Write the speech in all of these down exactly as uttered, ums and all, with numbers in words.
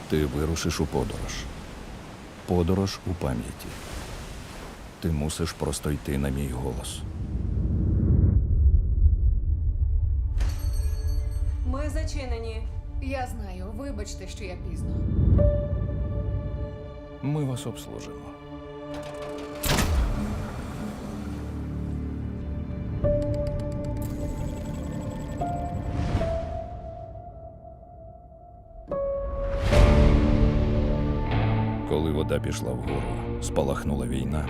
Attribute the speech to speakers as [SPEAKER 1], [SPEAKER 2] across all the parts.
[SPEAKER 1] Ти вирушиш у подорож. Подорож у пам'яті. Ти мусиш просто йти на мій голос.
[SPEAKER 2] Ми зачинені.
[SPEAKER 3] Я знаю, вибачте, що я пізно.
[SPEAKER 1] Ми вас обслужимо. Коли вода пішла вгору, спалахнула війна.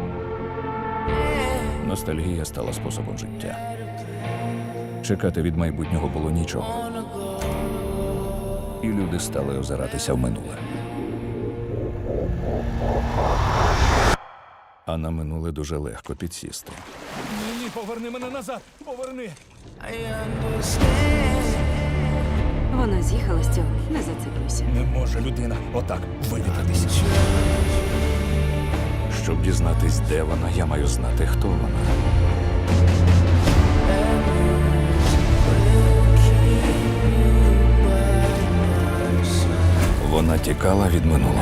[SPEAKER 1] Ностальгія стала способом життя. Чекати від майбутнього було нічого. І люди стали озиратися в минуле. А на минуле дуже легко підсісти.
[SPEAKER 4] Ні, ні, поверни мене назад! Поверни!
[SPEAKER 2] Вона з'їхала з цього. Не зациклюйся.
[SPEAKER 4] Не може людина отак вивітатися.
[SPEAKER 1] Щоб дізнатись, де вона, я маю знати, хто вона. Вона тікала від минулого.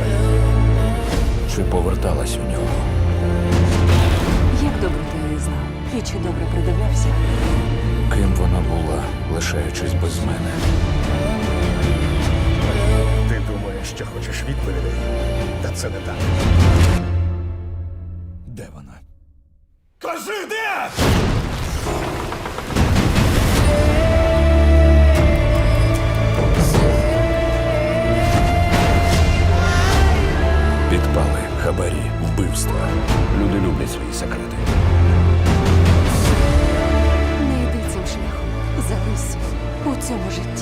[SPEAKER 1] Чи поверталась у нього?
[SPEAKER 2] Як добре ти її знав? І чи добре придивлявся?
[SPEAKER 1] Ким вона була, лишаючись без мене?
[SPEAKER 5] Ти думаєш, що хочеш відповідей? Та це не так.
[SPEAKER 4] Де вона? Кажи, де!
[SPEAKER 1] Підпали, хабарі, вбивства. Люди люблять свої секрети.
[SPEAKER 2] Не йди цим шляхом. Залишся у цьому житті.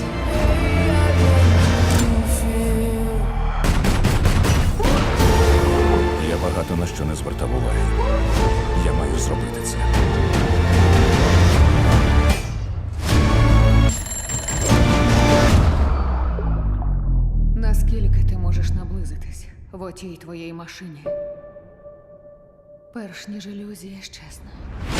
[SPEAKER 1] Я багато на що не звертав уваги. Я маю зробити це.
[SPEAKER 3] Наскільки ти можеш наблизитись в отій твоїй машині? Перш ніж ілюзія щезне.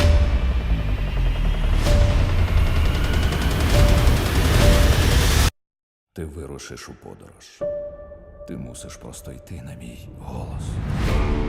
[SPEAKER 1] Ти вирушиш у подорож. Ти мусиш просто йти на мій голос.